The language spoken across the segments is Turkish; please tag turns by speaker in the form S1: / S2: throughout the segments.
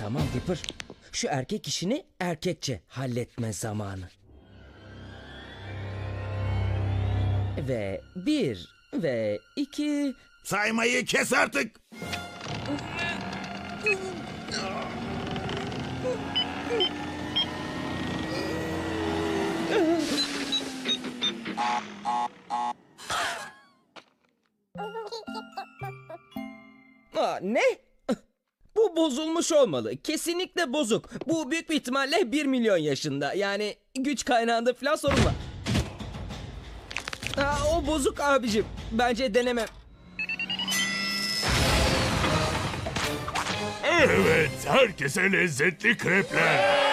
S1: Tamam Dipper. Şu erkek işini erkekçe halletme zamanı. Ve 1 ve 2...
S2: Saymayı kes artık.
S1: Ne? Bu bozulmuş olmalı. Kesinlikle bozuk. Bu büyük bir ihtimalle 1 milyon yaşında. Yani güç kaynağında falan sorun var. O bozuk abicim. Bence denemem.
S3: Evet, herkese lezzetli krepler.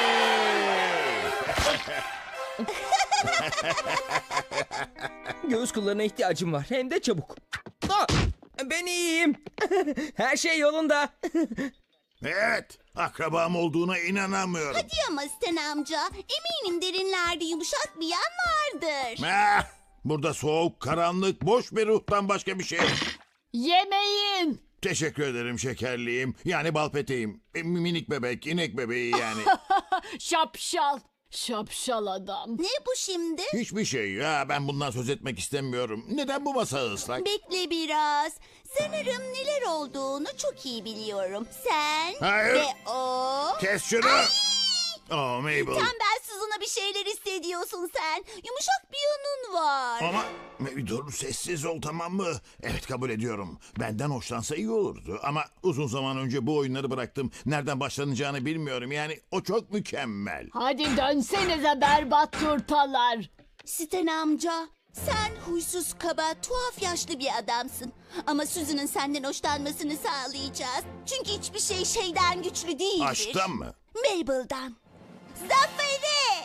S1: Göğüs kıllarına ihtiyacım var. Hem de çabuk. Ben iyiyim. Her şey yolunda.
S2: Evet, akrabam olduğuna inanamıyorum.
S4: Hadi ama Sten amca. Eminim derinlerde yumuşak bir yan vardır.
S2: Burada soğuk, karanlık, boş bir ruhtan başka bir şey yok.
S5: Yemeyin.
S2: Teşekkür ederim şekerliğim. Yani bal peteğim. Minik bebek, inek bebeği yani.
S5: Şapşal. Şapşal adam.
S4: Ne bu şimdi?
S2: Hiçbir şey ya, ben bundan söz etmek istemiyorum. Neden bu masa ıslak?
S4: Bekle biraz. Sanırım neler olduğunu çok iyi biliyorum. Sen
S2: Hayır.
S4: ve o...
S2: Kes şunu. Oh Mabel.
S4: Tembelsiz ona bir şeyler hissediyorsun sen. Yumuşak bir yanın var.
S2: Ama dur, sessiz ol, tamam mı? Evet, kabul ediyorum. Benden hoşlansa iyi olurdu. Ama uzun zaman önce bu oyunları bıraktım. Nereden başlanacağını bilmiyorum. Yani o çok mükemmel.
S5: Hadi dönsenize berbat turtalar.
S4: Sten amca, sen huysuz, kaba, tuhaf yaşlı bir adamsın. Ama Susan'ın senden hoşlanmasını sağlayacağız. Çünkü hiçbir şey şeyden güçlü değildir.
S2: Aşktan mı?
S4: Mabel'dan. Zaferi!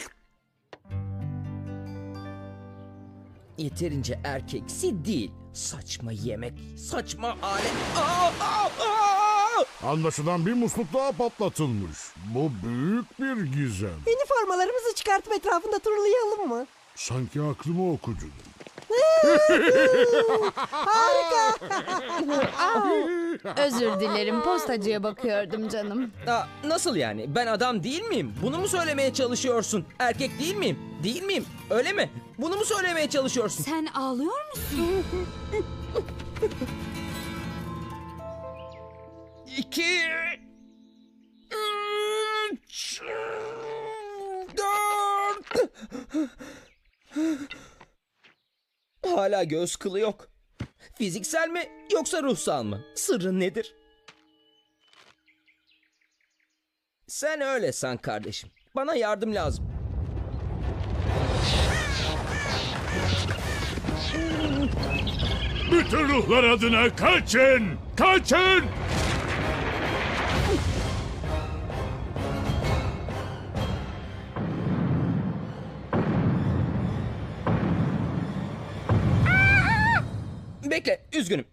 S1: Yeterince erkeksi değil. Saçma yemek, saçma alet.
S3: Anlaşılan bir musluk daha patlatılmış. Bu büyük bir gizem.
S6: Üniformalarımızı çıkartıp etrafında turlayalım mı?
S3: Sanki aklımı okudun.
S7: Özür dilerim, postacıya bakıyordum canım.
S1: Nasıl yani? Ben adam değil miyim? Bunu mu söylemeye çalışıyorsun? Erkek değil miyim? Değil miyim? Öyle mi? Bunu mu söylemeye çalışıyorsun?
S7: Sen ağlıyor musun?
S1: 2 3 4 Hala göz kılı yok. Fiziksel mi yoksa ruhsal mı? Sırrın nedir? Sen öyle san kardeşim. Bana yardım lazım.
S3: Bütün ruhlar adına kaçın! Kaçın!
S1: Bekle, üzgünüm.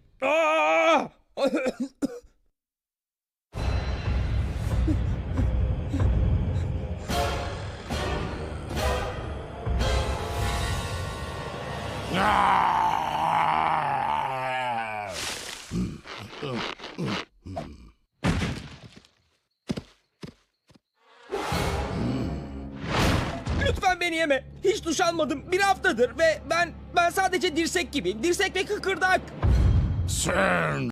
S1: Lütfen beni yeme. Hiç duş almadım. Bir haftadır ve ben sadece dirsek gibiyim. Dirsek ve kıkırdak.
S3: Sen